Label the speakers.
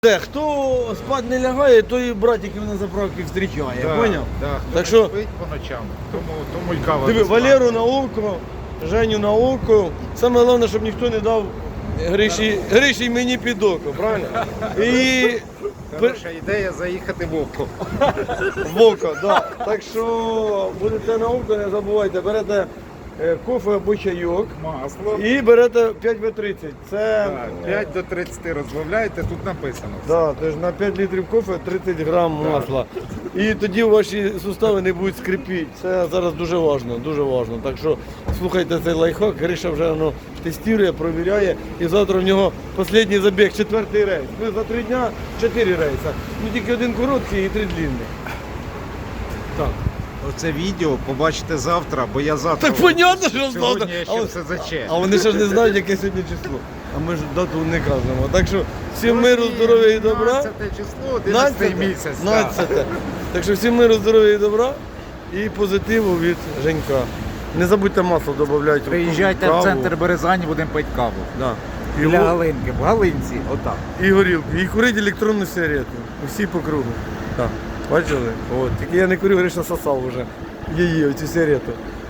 Speaker 1: Хто спати не лягає, той братиків на заправці зустрічає,
Speaker 2: Да,
Speaker 1: поняв?
Speaker 2: да, хто
Speaker 1: Так
Speaker 2: не
Speaker 1: що,
Speaker 2: спить по ночам, тому мулькава.
Speaker 1: диви, Валеру на око, Женю на око. Саме головне, щоб ніхто не дав Гриші мені під око, правильно? І
Speaker 2: Хороша ідея заїхати в око.
Speaker 1: в око, да. Так що будете на око, не забувайте, берете кофе або чайок
Speaker 2: Масло.
Speaker 1: і берете 5В30. Це
Speaker 2: 5 до 30 розбавляєте, тут написано.
Speaker 1: да, тож на 5 літрів кофе 30 грам масла. І тоді ваші сустави не будуть скрипіти. Це зараз дуже важливо, дуже важливо. Так що слухайте цей лайфхак, Гриша вже воно тестує, провіряє. І завтра в нього останній забіг, 4-й рейс. Ми за 3 дня 4 рейси. Ну тільки один короткий і 3 длинних. Так.
Speaker 2: Оце відео побачите завтра, бо я завтра.
Speaker 1: Так понятно, що завтра.
Speaker 2: Сьогодні я ще все заче.
Speaker 1: А вони ще ж не знають, яке сьогодні число. А ми ж дату не кажемо. Так що всім миру, здоров'я і добра.
Speaker 2: 15 число, 11 місяць.
Speaker 1: 15. Так що всім миру, здоров'я і добра і позитиву від Женька. Не забудьте масло додавати.
Speaker 2: Приїжджайте в центр Березані, будемо пити каву.
Speaker 1: Да.
Speaker 2: Біля Галинки, в Галинці, отак.
Speaker 1: І горілку. І курить електронну сигарету. Усі по кругу. Так. Бачили? От. Тільки я не курю, Гриша сосав вже. Її, оцю сигарету.